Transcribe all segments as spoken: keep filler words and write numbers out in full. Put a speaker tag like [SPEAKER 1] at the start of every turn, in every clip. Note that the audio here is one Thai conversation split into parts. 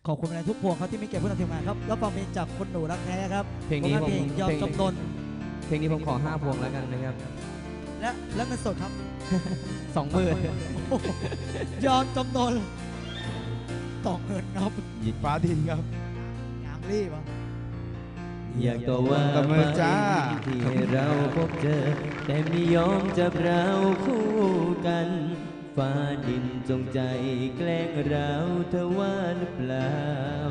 [SPEAKER 1] ขอบคุณในทุกพวงครับที่มีเกียรติผู้นำทีมงานครับแล้วฟังเพลงจากคนหนูรักแท้ครับ
[SPEAKER 2] เพลงนี้ผม
[SPEAKER 1] เพลงยอมจำนน
[SPEAKER 2] เพลงนี้ผมขอห้าพวงแล้วกันนะครับ
[SPEAKER 1] และและเงินสดครับ
[SPEAKER 2] สองหมื่น
[SPEAKER 1] ยอมจำนนต่อเงินครับ
[SPEAKER 3] ฟ้าดินครับ
[SPEAKER 1] งามรีบอ่ะ
[SPEAKER 2] อยากตัวว่า
[SPEAKER 3] ตบมือจ้า
[SPEAKER 2] ที่ให้เราพบเจอแต่ไม่ยอมจับเราคู่กันฟ้าดินจงใจแกล้งเราเธอว่าหรือเปล่า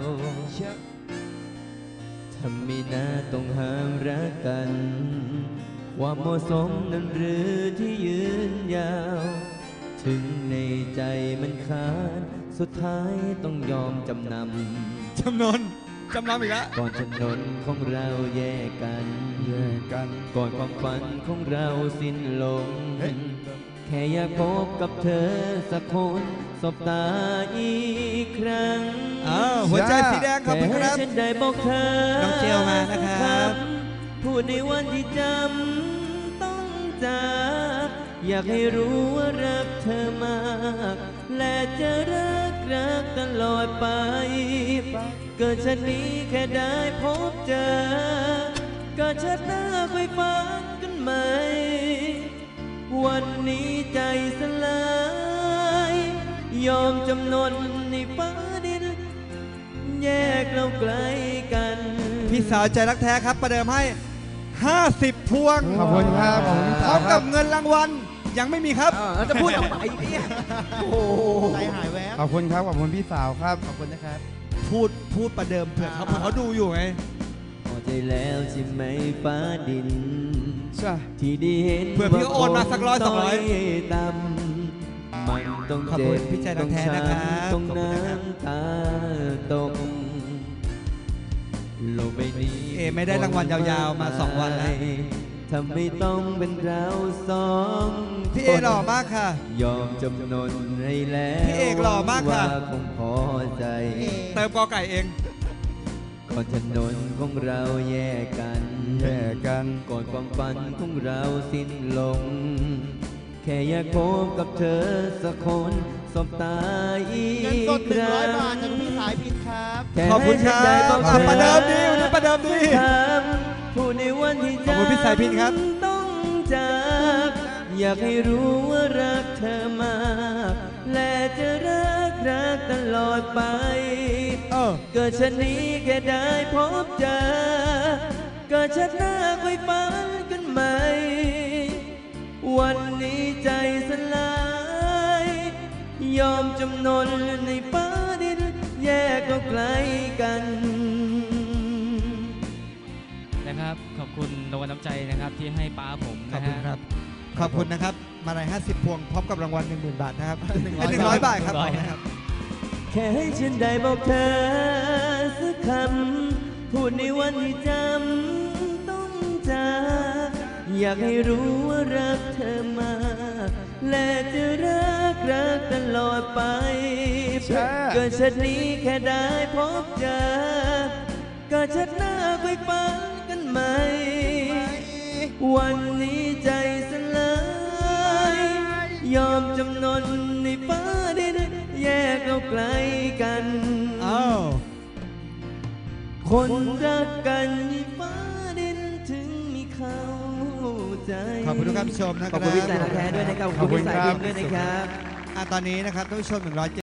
[SPEAKER 2] ทำไม่น่าต้องห้ามรักกันความเหมาะสมนั้นหรือที่ยืนยาวถึงในใจมันขาดสุดท้ายต้องยอมจำนำ
[SPEAKER 1] จำนนจำนำอีกแล้ว
[SPEAKER 2] ก่อนถนนของเราแยกกัน
[SPEAKER 3] แยกกัน
[SPEAKER 2] ก่อนความฝันของเราสิ้นลงแค่อยากพบกับเธอสักคนสบตาอีกครั้ง
[SPEAKER 1] อ้าวหัวใจสีแดงครับพี่ครับ
[SPEAKER 2] ฉันได้บอกเธอ
[SPEAKER 1] น้องเจลมานะครับ
[SPEAKER 2] พูดในวันที่จำต้องจากอยากให้รู้ว่ารักเธอมากและจะรักรักตลอดไปเกิดชาตินี้แค่ได้พบเจอก็ชาติหน้าไปฟังกันใหม่วันนี้ใจสลายยอมจำนนในฟ้าดินแยกเราไกลกัน
[SPEAKER 1] พี่สาวใจรักแท้ครับประเดิมให้ห้าสิบพวง
[SPEAKER 3] ขอบคุณครับขอบคุณ
[SPEAKER 1] พร้อมกับเงินรางวัลยังไม่มีครับ
[SPEAKER 2] จะพูดทำไมเนี่ย
[SPEAKER 1] โอ้ใจหายแวบ
[SPEAKER 3] ขอบคุณครับขอบคุณพี่สาวครับ
[SPEAKER 1] ขอบคุณนะครับพูดพูดประเดิมเผื่อเขาเผื่อเขาดูอยู่ไง
[SPEAKER 2] พอใจแล้วใช่ไหมฟ้าดิน
[SPEAKER 3] ใช่
[SPEAKER 2] ที่ได้เห็น
[SPEAKER 1] เผื่อพี่โอนมาสักร้อยสองร้อย
[SPEAKER 2] ดำมันต้องเจ็บ
[SPEAKER 1] พี่ใจรักแท้นะครับ
[SPEAKER 2] ต้องน้ำตาตกโลกใบนี้
[SPEAKER 1] เอไม่ได้รางวัลยาวๆมาสองวันแล้ว
[SPEAKER 2] ทำไม่ต้องเป็นเราสอง
[SPEAKER 1] พี่เอหล่อมากค่ะ
[SPEAKER 2] ยอมจำนนให้แล้ว
[SPEAKER 1] พี่เอกหล่อมากค่ะ
[SPEAKER 2] คงพอใจ
[SPEAKER 1] เติมกอไก่เอง
[SPEAKER 2] ก่อนถนนของเราแยกกัน
[SPEAKER 3] แยกกัน
[SPEAKER 2] ก่อนความฝันของเราสิ้นลงแค่อยากพบกับเธอสักคนสบตาอีกครั้งเงินสดหนึ่งร้อยบาทจากพี่สายพินครับ
[SPEAKER 1] ขอบคุณครับประเดิมดีวันนี้ประเดิมดี
[SPEAKER 2] ผู้ในวันที่
[SPEAKER 1] ขอบคุณพี่สายพินครับ
[SPEAKER 2] ต้องจากอยากให้รู้ว่ารักเธอมากและจะรักรักตลอดไปเกิดชาตินี้แค่ได้พบเจอเกิดชาติหน้าค่อยฝันกันใหม่วันนี้ใจสลายยอมจำนนในฟ้าดินแยกเราไกลกัน
[SPEAKER 4] นะครับขอบคุณรางวัลน้ำใจนะครับที่ให้ป้าผม
[SPEAKER 1] ขอบคุณครับขอบคุณนะครับมาลัยห้าสิบพวงพร้อมกับรางวัลหนึ่งหมื่นบาทนะครับหนึ่งร้อยบาทครับ
[SPEAKER 2] แค่ให้ฉันได้บอกเธอสักคำพูดในวันที่จำต้องจากอยากให้รู้ว่ารักเธอมากและจะรักรักตลอดไปเกิดชาตินี้แค่ได้พบเจอก็ชาติหน้าไปฝันกันใหม่วันนี้ใจสลายยอมจำนนในฟ้าดินแยกเราไกลกันคนรักกันในฟ้าดินถึงมีเขาใจ
[SPEAKER 1] ขอบคุณทุกท่านผู้ชมนะครับ
[SPEAKER 2] ขอบคุณพี่สายแท้ด้วยนะครับขอบคุณพี่สายพินด้วยนะครับ
[SPEAKER 1] ตอนนี้นะครับท่านผู้ชมหนึ่งร้อย